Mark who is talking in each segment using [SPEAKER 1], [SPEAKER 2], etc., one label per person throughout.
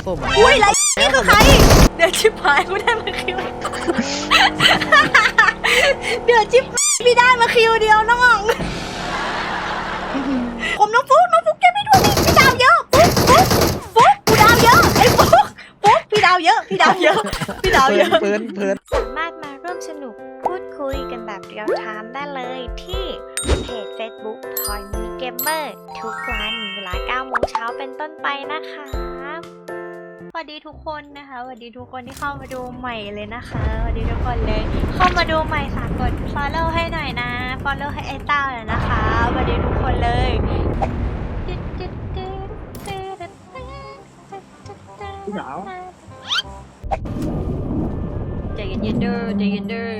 [SPEAKER 1] ส้ม
[SPEAKER 2] อุ้ยไรนี่คือใครเดี๋ยวชิบหายกูได้มาคิวเดี๋ยวชิบพี่ได้มาคิวเดียวน้องผมน้องฟุ๊กแกไม่ดูดิพี่ดาวเยอะฟุ๊กกูดาวเยอะไอ้ฟุ๊กพี่ดาวเยอะพี่ดาวเยอะ
[SPEAKER 1] เพลิน
[SPEAKER 3] สามารถมาร่วมสนุกพูดคุยกันแบบเรียลไทม์ได้เลยที่เพจ Facebook Point Mini Gamer ทุกวันเวลา 9 โมงเช้าเป็นต้นไปนะคะสวัสดีทุกคนนะคะสวัสดีทุกคนที่เข้ามาดูใหม่เลยนะคะสวัสดีทุกคนเลยเข้ามาดูใหม่ฝากกด follow ให้หน่อยนะ follow ให้ไอ้เต้าหน่อยนะคะสวัสดีทุกคนเลย
[SPEAKER 1] สาว
[SPEAKER 3] ใจเย็นๆเด้อ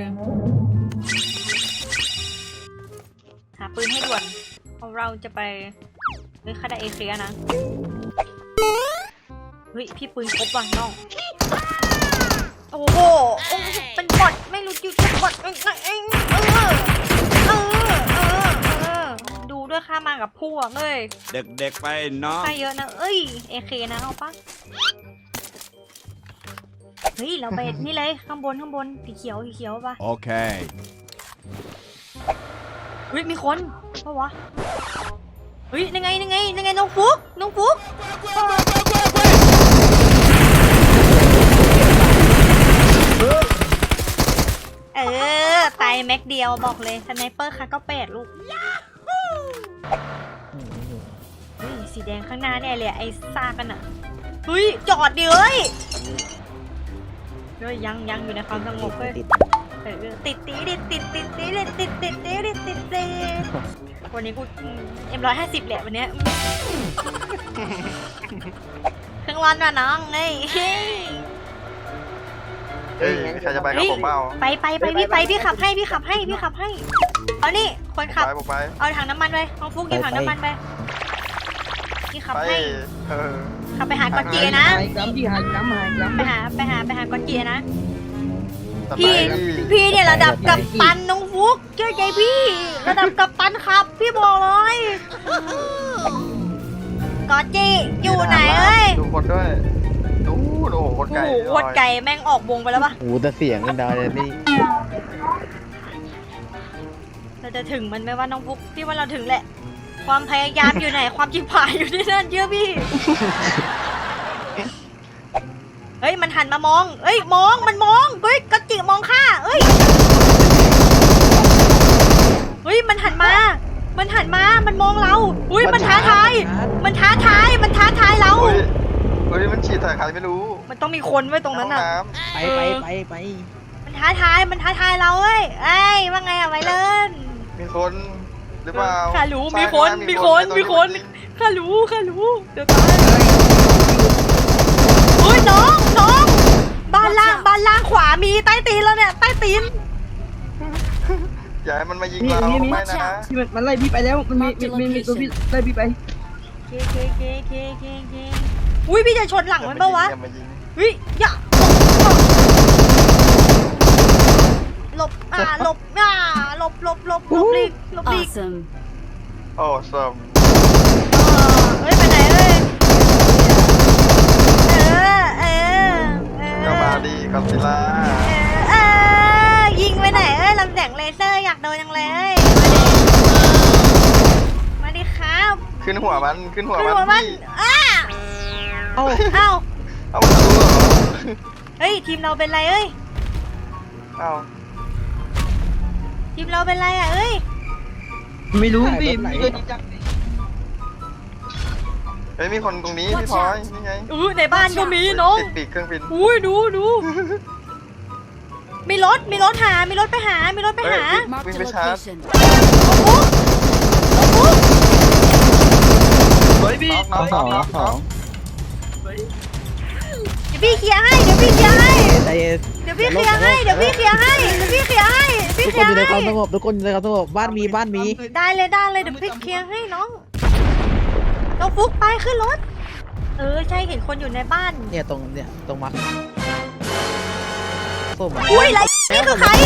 [SPEAKER 3] หาปืนให้ด่วนเพราะเราจะไปเฮ้ยคาดาเอเคลียนะเฮ้ยพี่ปืนครบว่ะน้องโอ้โหเป็นบอทไม่รู้จุดเป็นบอทดูด้วยค่ามากับพวกเลย
[SPEAKER 4] เด็กๆไปเนาะ
[SPEAKER 3] ค่าเยอะนะเอ้ยเอเคนะเอาปะเฮ้ยเราไปนี่เลยข้างบนสีเขียวปะ
[SPEAKER 4] โอเค
[SPEAKER 3] เฮ้ยมีคนเพราะวะเฮ้ยยังไงน้องฟุ๊กตายแม็กเดียวบอกเลยสไนเปอร์ค่ะก็8ลูกเฮ้ยสีแดงข้างหน้าเนี่ยเลยไอ้ซากกันอ่ะเฮ้ยจอดดิเฮ้ยยังอยู่ในความสงบเลยติดวันนี้กูM150แหละวันเนี้ยเครื่องร้อนว่ะน้องเฮ้ย
[SPEAKER 5] ใครจะไปกับผมเปล่า
[SPEAKER 3] ไปพี่ขับให้เอานี่คนขับเอาถังน้ำมันไปน้องฟุ๊กหยิบถังน้ำมันไปพี่ขับให้ขับไปหากอจีนะไปหากอจีนะพี่เนี่ยระดับกัปตันน้องฟุ๊กเชื่อใจพี่ระดับกัปตันครับพี่บอกเลยกอจีอยู่ไหนเอ้ย
[SPEAKER 5] ดูคนด้วยดูโอ้โห
[SPEAKER 3] โคตรไก่แม่งออกวงไปแล้วปะ
[SPEAKER 1] โอ้แต่เสียงกันดาวนี่
[SPEAKER 3] เราจะถึงมันไหมว่าน้องฟุ๊กพี่ว่าเราถึงแหละความพยายามอยู่ไหนความจิ๋วผายอยู่ที่นั่นเชื่อพี่เฮ้ยมันหันมามองมันมองเฮ้ยกระจิมองข้าเฮ้ยมันหันมามันมองเราอุ้ยมันท้าทายเรา
[SPEAKER 5] เฮ้ยมันฉีดใส่ใครไม่รู้
[SPEAKER 3] มันต้องมีคนไว้ตรงนั้นน่ะ
[SPEAKER 1] ไป
[SPEAKER 3] มันท้าทายเราเว้ยไอ้ว่าไงอะไวเลิน
[SPEAKER 5] มีคนหรือเปล่า
[SPEAKER 3] ข้ารู้มีคนข้ารู้เดี๋ยวตายโอ้ยน้องบ้านล่างขวามีใต้ตีนแล้วเนี่ยใต้ตีน
[SPEAKER 5] อย่าให้มันมายิงเราไม่นะ
[SPEAKER 1] มันไล่พี่ไปแล้วมันมีตัวพี่ไล่พี่ไป
[SPEAKER 3] เคอุ้ยพี่จะชนหลังมันปะวะเฮ้ยอย่าหลบลีก
[SPEAKER 5] โอ้สม
[SPEAKER 3] เฮ้ยไปไหนเอ้ย
[SPEAKER 5] ก็มาดีกอซิลล่า
[SPEAKER 3] ยิงไปไหนเอ้ยลำแสงเลเซอร์อยากโดนยังเลยมาดิครับ
[SPEAKER 5] ขึ้นหัวมัน
[SPEAKER 3] เอาเฮ้ยทีมเราเป็นไรเอ้ยทีมเราเป็นไรอ่ะเอ้ย
[SPEAKER 1] ไม่รู้พี่
[SPEAKER 5] เฮ้ยมีคนตรงนี้พี่พลอยนี่ไง
[SPEAKER 3] ในบ้านก็มีน้อง
[SPEAKER 5] ติดปีกเครื่องบิน
[SPEAKER 3] อุ้ยดูมีรถไปหา
[SPEAKER 5] วิ่งไปชาร์จ
[SPEAKER 1] เฮ้ยพี่
[SPEAKER 5] น้อง
[SPEAKER 1] เ
[SPEAKER 3] ดี๋ยวพี่เคลียร์ให้ทุกคนอยู่ในความสงบ
[SPEAKER 1] บ้านมี
[SPEAKER 3] ได้เลยเดี๋ยวพี่เคลียร์ให้น้องฟุ๊กไปขึ้นรถใช่เห็นคนอยู่ในบ้าน
[SPEAKER 1] เนี่ยตรงมา
[SPEAKER 3] อุ้ยไรนี่คือใคร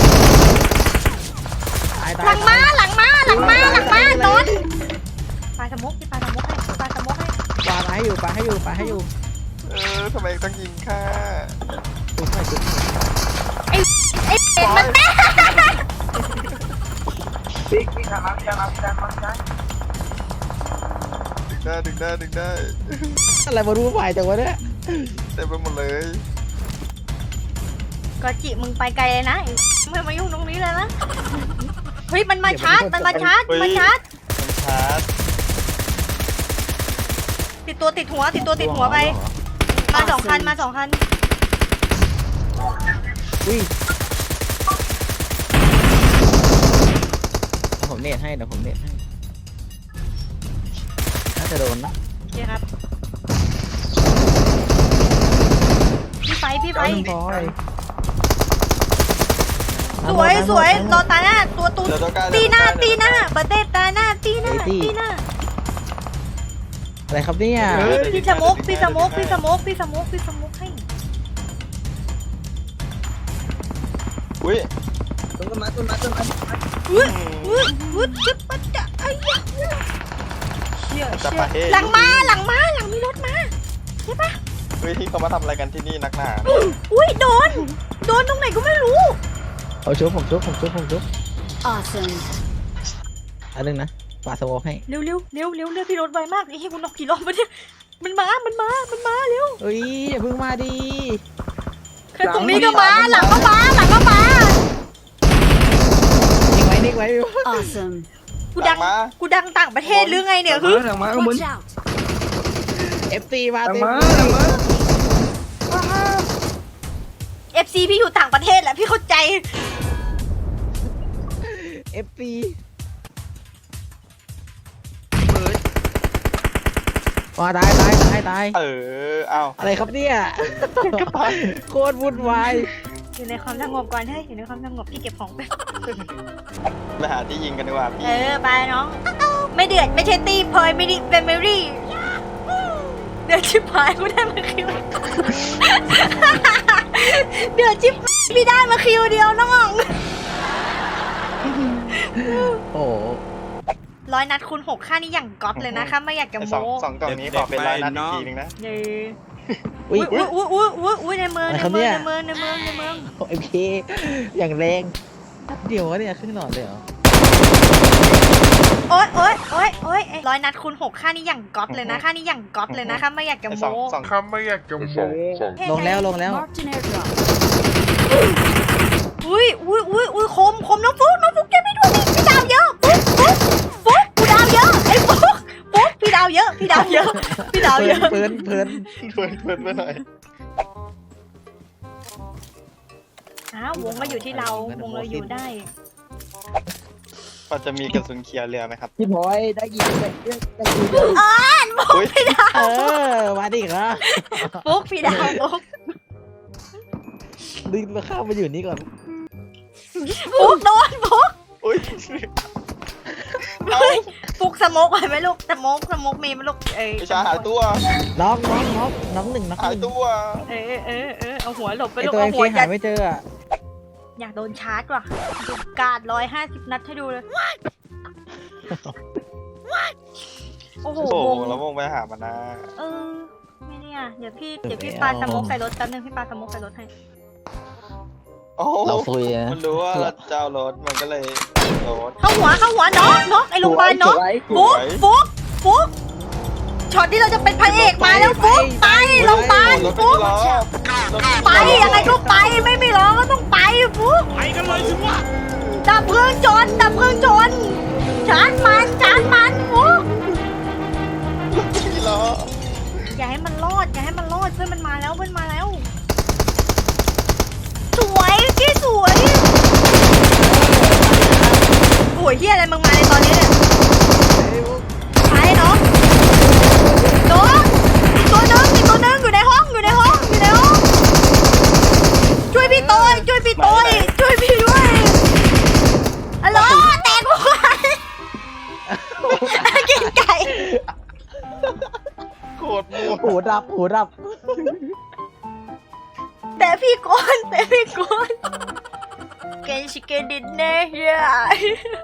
[SPEAKER 3] หลังมาโดนปลาสมุกให้
[SPEAKER 1] ปลาให้อยู่
[SPEAKER 5] ทำไมต้องยิงข้า
[SPEAKER 1] ดูหน่อยดู
[SPEAKER 2] ไอ้เป็ดมันแม่
[SPEAKER 5] ดึงได้
[SPEAKER 1] อะไรมารู้ฝ่ายจังวะเนี่ย
[SPEAKER 5] เต็มไปหมดเลย
[SPEAKER 2] ก็จิมึงไปไกลเลยนะไอ้ไม่มายุ่งตรงนี้เลยนะเฮ้ยมันมาชาร์จมันมาชาร์จมันชาร์จ
[SPEAKER 5] มันชาร์จ
[SPEAKER 2] ติดตัวติดหัวไปมาสองคัน
[SPEAKER 1] อุ้ยผมเน็ตให้เดี๋ยวผมเน็ตให้น่าจะโดนนะ
[SPEAKER 2] โอเคครับพี่ไฟ
[SPEAKER 1] พอย
[SPEAKER 2] สวยรอตาหน้าตัวตู
[SPEAKER 5] เดี๋ยวต้องการ
[SPEAKER 2] ตีหน้าประเทศตาหน้าตีหน้า
[SPEAKER 1] อะไรครับเนี่ย
[SPEAKER 2] พี่สมุกให้
[SPEAKER 5] อุ้ย
[SPEAKER 2] อุ้ยจุดปัจจะไอ้ยะเชี่ยหลังมีรถมาใช่ปะ
[SPEAKER 5] เฮ้ยที่เขามาทำอะไรกันที่นี่นักหนา
[SPEAKER 2] อุ้ยโดนตรงไหนก็ไม่รู้
[SPEAKER 1] เอาชุบผมชุบ
[SPEAKER 2] awesome
[SPEAKER 1] อันนึงนะปาสโวให้
[SPEAKER 2] เร็วพี่รถไวมากไอ้เหี้ยกูนอกกี่รอบวะเนี่ยมันมาเร็ว
[SPEAKER 1] เฮ้ยอย่าเพิ่งมาดิ
[SPEAKER 2] แค่ตรงนี้ก็มาหลังก็มา
[SPEAKER 1] นิ่งไว้
[SPEAKER 4] Awesome.
[SPEAKER 2] กูดังต่างประเทศหรือไงเนี่ยคือ
[SPEAKER 4] Watch out.
[SPEAKER 1] FC มาเต็ม
[SPEAKER 2] FC พี่อยู่ต่างประเทศแหละพี่เข้าใจ
[SPEAKER 1] FC มาตาย
[SPEAKER 5] เอ้า
[SPEAKER 1] อะไรครับเนี่ยโคตรวุ่นวาย
[SPEAKER 2] อยู่ในความสงบก่อนเฮ้ยอยู่ในความสงบพี่เก็บของไป
[SPEAKER 5] ไปหาที่ยิงกันดีกว่าพี่
[SPEAKER 2] ไปน้องไม่เดือดไม่ใช่ตีพลอยไม่ดิเป็นเมรี่เดือดชิบหายกูได้มาคิวเดือดชิบพี่ได้มาคิวเดียวน้อง
[SPEAKER 1] โอ้
[SPEAKER 2] 100 นัดคูณ 6ค่านี้อย่างก๊อตเลยนะคะไม่อยากจะ
[SPEAKER 5] สอง
[SPEAKER 2] โม้
[SPEAKER 5] สองกล่องนี้ขอเป็นร้อยนัดอีกทีนึงนะ
[SPEAKER 2] เย้
[SPEAKER 1] อุ้ย
[SPEAKER 2] อุ้ยในเมือง
[SPEAKER 1] โอเคอย่างแรงเดี๋ยววะเนี่ยครึ่งหลอดเลยเหรอ
[SPEAKER 2] โอ๊ย100 นัดคูณ 6ค่านี้อย่างก๊อตเลยนะค่านี้อย่างก๊อตเลยนะคะไม่อยากจะ
[SPEAKER 5] สอง
[SPEAKER 2] โม้
[SPEAKER 5] สอง
[SPEAKER 1] ลงแล้ว
[SPEAKER 4] Marked an airdrop.
[SPEAKER 2] อุ้ยคมน้องฟุ๊กแกไม่ดูดิพี่ดาวเยอะฟุ๊กกูดาวเยอะไอ้ฟุ๊กพี่ดาวเยอะ
[SPEAKER 1] เพลิน
[SPEAKER 5] เพื่อนไปหน่อย
[SPEAKER 2] วงมาอยู่ที่เราวงเราอยู่ได้
[SPEAKER 5] พอจะมีกระสุนเคลียร์เรือไหมครับ
[SPEAKER 1] พี่พลอยได้ยินเลย
[SPEAKER 5] อุ้ย
[SPEAKER 1] มาดิเหรอ
[SPEAKER 2] ฟุ๊กพี่ดาวฟุ๊ก
[SPEAKER 1] ดึงมาเข้ามาอยู่นี่ก่อน
[SPEAKER 2] โดนฟุ๊ก
[SPEAKER 5] อุ้ย
[SPEAKER 2] ฟุ๊กสโมกไปไหมลูกสโมกมีไหมลูก
[SPEAKER 5] ไม่ใช่หายตัว
[SPEAKER 1] น้องหนึ่ง
[SPEAKER 5] หายตัว
[SPEAKER 2] เอาหัวหลบไป
[SPEAKER 1] ไอ
[SPEAKER 2] ลูก
[SPEAKER 1] ตัว
[SPEAKER 2] เอา
[SPEAKER 1] เอ็ม
[SPEAKER 2] หัว
[SPEAKER 1] เคหาไม่เจอ
[SPEAKER 2] อยากโดนชาร์จว่ะกาด150 นัดให้ดูเลยโอ้โห
[SPEAKER 5] โอ้
[SPEAKER 2] วง
[SPEAKER 5] แล้ววงไปหามันนะ
[SPEAKER 2] ไม่เนี่ยเดี๋ยวพี่ปาสโมกใส่รถแป๊บนึงพี่ปาสโมกใส่รถให้
[SPEAKER 5] โอ้
[SPEAKER 1] เราซุยนะ
[SPEAKER 5] มันรู้ว่าเจ้ารถมันก็เลยรถ
[SPEAKER 2] เข้าหัวน็อกไอ้โรงพยาบาลน็อกฟุ๊กช็อตที่เราจะเป็นพระเอกมาแล้วฟุ๊กไปโรงพยาบาล
[SPEAKER 5] รถ
[SPEAKER 2] ฟุ๊ก
[SPEAKER 5] ล้อ
[SPEAKER 2] ไปยังไงก็ไปไม่รอก็ต้องไปฟุ๊ก
[SPEAKER 6] ไปกันเลยสิวะ
[SPEAKER 2] ดับเครื่องจนชาร์จมันฟุ๊ก
[SPEAKER 5] ที่ล้อ
[SPEAKER 2] อย่าให้มันรอดเพื่อนมันมาแล้วสวยพี่สวยโอ้ยเฮียอะไรมึงมาในตอนนี้เนี่ยไปเนาะโดนอีกตัวนึงอยู่ในห้องช่วยพี่โต้ยช่วยพี่ด้วยฮัลโหลแตกหมดกินไก่
[SPEAKER 5] โคตรมั่ว
[SPEAKER 1] หูดับ
[SPEAKER 2] แต่พี่โกนเกนชิเกนดินเนอร์